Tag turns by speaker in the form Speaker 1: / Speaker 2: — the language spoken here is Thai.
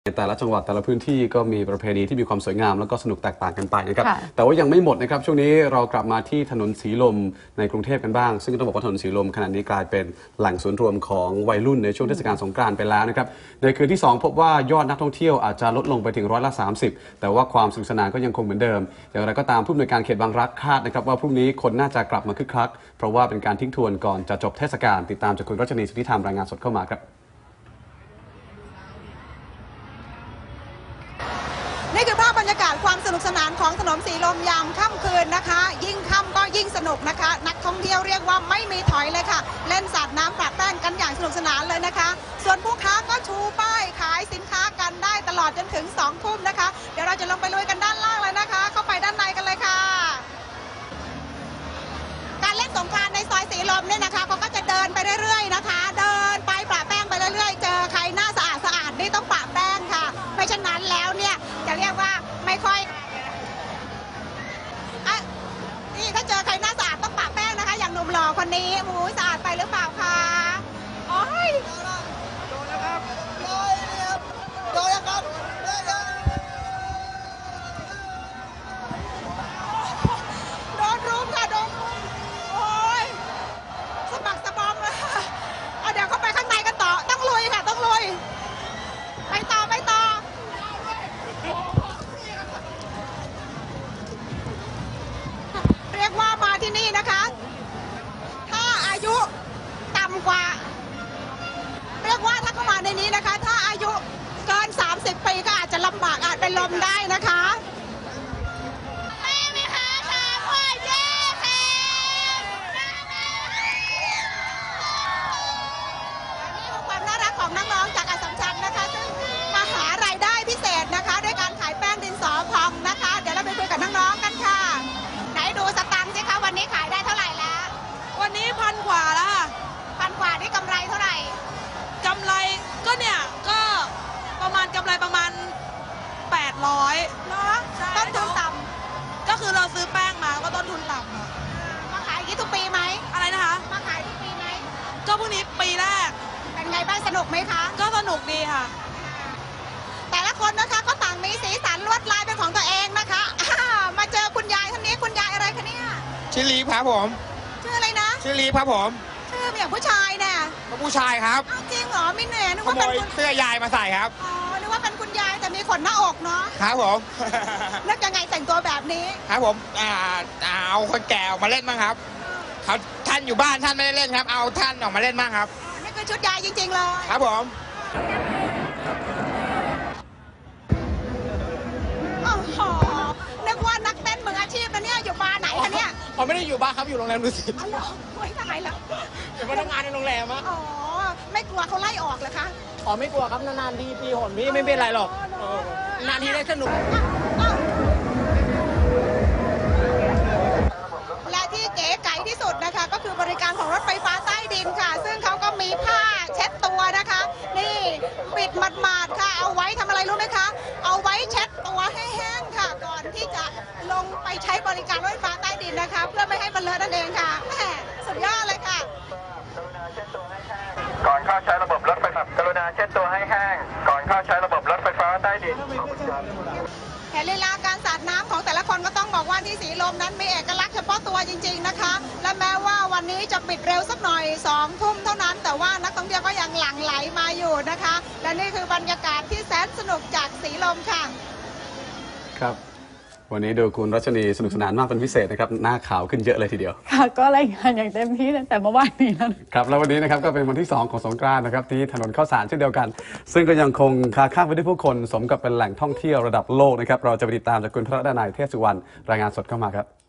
Speaker 1: ในแต่ละจังหวัดแต่ละพื้นที่ก็มีประเพณีที่มีความสวยงามแล้วก็สนุกแตกต่างกันไปนะครับแต่ว่ายังไม่หมดนะครับช่วงนี้เรากลับมาที่ถนนสีลมในกรุงเทพกันบ้างซึ่งต้องบอกว่าถนนสีลมขณะนี้กลายเป็นแหล่งศูนย์รวมของวัยรุ่นในช่วงเทศกาลสงกรานต์ไปแล้วนะครับในคืนที่2พบว่ายอดนักท่องเที่ยวอาจจะลดลงไปถึง30%แต่ว่าความสนุกสนานก็ยังคงเหมือนเดิมอย่างไรก็ตามผู้อำนวยการเขตบางรักคาดนะครับว่าพรุ่งนี้คนน่าจะกลับมาคึกคักเพราะว่าเป็นการทิ้งทวนก่อนจะจบเทศกาลติดตามจากคุณรัชนีสุทธิธรรมรายงานสดเข้ามาครับ
Speaker 2: นี่คือภาพบรรยากาศความสนุกสนานของถนนสีลมยามค่ำคืนนะคะยิ่งค่ำก็ยิ่งสนุกนะคะนักท่องเที่ยวเรียกว่าไม่มีถอยเลยค่ะเล่นสาดน้ำปะแป้งกันอย่างสนุกสนานเลยนะคะส่วนผู้ค้าก็ชูป้ายขายสินค้ากันได้ตลอดจนถึง2 ทุ่มนะคะเดี๋ยวเราจะลงไปลุยกันด้านล่างเลยนะคะเข้าไปด้านในกันเลยค่ะการเล่นสงกรานต์ในซอยสีลมเนี่ยนะคะเขาก็จะเดินไปเรื่อยๆนะคะเดินไปปะแป้งไปเรื่อยๆเจอใครหน้าสะอาดนี่ต้องปะแป้งค่ะไม่เช่นนั้นแล้วเนี่ยจะเรียกว่าไม่ค่อยนี่ถ้าเจอใครหน้าสะอาดต้องปะแป้งนะคะอย่างหนุ่มหล่อคนนี้หมูสะอาดไปหรือเปล่าคะโอ้ยโดนแล้วครับโดนแล้วครับโดนรุมค่ะโดนรุมโอ้ยสะบักสะบอมเลยเดี๋ยวเข้าไปข้างในกันต่อต้องลุยค่ะต้องลุยไปต่อเรียกว่ามาที่นี่นะคะถ้าอายุต่ำกว่าเรียกว่าถ้าเข้ามาในนี้นะคะถ้าอายุเกิน30 ปีก็อาจจะลำบากอาจเป็นลมได้นะคะความน่ารักของน้องๆจากอัสสัมชัญนะคะซึ่งมาหารายได้พิเศษนะคะด้วยการขายแป้งดินสอพองนะคะเดี๋ยวเราไปคุยกับน้องๆกันค่ะไหนดูสตังค์สิคะวันนี้ขายได้เท่าไหร่แล้ว
Speaker 3: วันนี้1,000 กว่าแล้วค่ะ
Speaker 2: 1,000 กว่านี่กำไรเท่าไหร่
Speaker 3: กำไรก็เนี่ยก็ประมาณกำไรประมาณ800
Speaker 2: เนาะต้นทุนต่
Speaker 3: ำก็คือเราซื้อแป้งมาก็ต้นทุนต่ำ
Speaker 2: มาขายอย่างนี้ทุกปีไหม
Speaker 3: อะไรนะคะ
Speaker 2: มาขายทุกปีไหม
Speaker 3: ก็พวกนี้ปีแรก
Speaker 2: เป็นไงบ้างสนุกไหมคะ
Speaker 3: ก็สนุกดีค่ะ
Speaker 2: แต่ละคนนะคะก็ต่างมีสีสันลวดลายเป็นของตัวเองนะคะมาเจอคุณยายท่านนี้คุณยายอะไรคะเนี่ย
Speaker 4: ชื่อลีฟครับผม
Speaker 2: ชื่ออะไรนะ
Speaker 4: ชื่อลีฟครับผม
Speaker 2: ชื่ออย่างผู้ชายเนี่ย
Speaker 4: ผู้ชายครับ
Speaker 2: จริงเหรอมินเน่นึก
Speaker 4: ข
Speaker 2: ว่า
Speaker 4: โมยเสื้อยายมาใส่ครับ
Speaker 2: อ๋อนึกว่าเป็นคุณยายแต่มีขนหน้าอกเนาะ
Speaker 4: ครับผม
Speaker 2: นึกยังไงแต่งตัวแบบนี้
Speaker 4: ครับผมเอาคนแก่ออกมาเล่นบ้างครับเขาท่านอยู่บ้านท่านไม่ได้เล่นครับเอาท่านออกมาเล่นบ้างครับ
Speaker 2: นี่คือชุดยายจริงๆเลย
Speaker 4: ครับผม
Speaker 2: โอ้โหนึกว่านักเต้นมืออาชีพนะเนี่ยอยู่บาร์ไหนคะเนี่ย
Speaker 4: ผมไม่ได้อยู่บ้านครับอยู่โรงแรมดุสิต
Speaker 2: อ๋อเหรอไม่ตายแล้ว
Speaker 4: เป็นพนักงานในโรงแรมอะ
Speaker 2: อ๋อไม่กลัวเขาไล่ออกเหรอคะ
Speaker 4: อ๋อไม่กลัวครับนานๆทีปีหนพี่ไม่เป็นไรหรอกนานทีได้สนุก
Speaker 2: และที่เก๋ไก๋ที่สุดนะคะก็คือบริการของรถไฟฟ้าใต้ดินค่ะซึ่งเขาก็มีผ้าเช็ดตัวนะคะนี่ปิดหมาดๆค่ะเอาไว้ทำอะไรรู้ไหมคะเอาไว้เช็ดตัวให้แห้งค่ะก่อนที่จะลงไปใช้บริการรถไฟฟ้าใต้ดินนะคะเพื่อไม่ให้มันเลอะนั่นเองค่ะแหมสุดยอดเลยค่ะ
Speaker 5: ก่อนเข้าใช้ระบบรถไฟฟ้ากรุณาเช็ดตัวให้แห้งก่อนเข้าใช้ระบบรถไฟฟ้าใต้ดิน
Speaker 2: เห็นลีลาการสาดน้ำของแต่ละคนก็ต้องบอกว่าที่สีลมนั้นมีเอกลักษณ์เฉพาะตัวจริงๆนะคะและแม้ว่าวันนี้จะปิดเร็วสักหน่อย2 ทุ่มเท่านั้นแต่ว่านักท่องเที่ยวก็ยังหลั่งไหลมาอยู่นะคะและนี่คือบรรยากาศที่แสนสนุกจากสีลมค่ะ
Speaker 1: ครับวันนี้ดูคุณรัชนีสนุกสนานมากเป็นพิเศษนะครับหน้าขาวขึ้นเยอะเลยทีเดียว
Speaker 3: ค่ะก็รายงานอย่างเต็มที่ตั้งแต่เมื่อวานนี้
Speaker 1: นะครับแล้ววันนี้นะครับก็เป็นวันที่2ของสงกรานต์นะครับที่ถนนข้าวสารเช่นเดียวกันซึ่งก็ยังคงคาข้างไปด้วยผู้คนสมกับเป็นแหล่งท่องเที่ยวระดับโลกนะครับเราจะไปติดตามจากคุณพระดนัยเทพสุวรรณรายงานสดเข้ามาครับ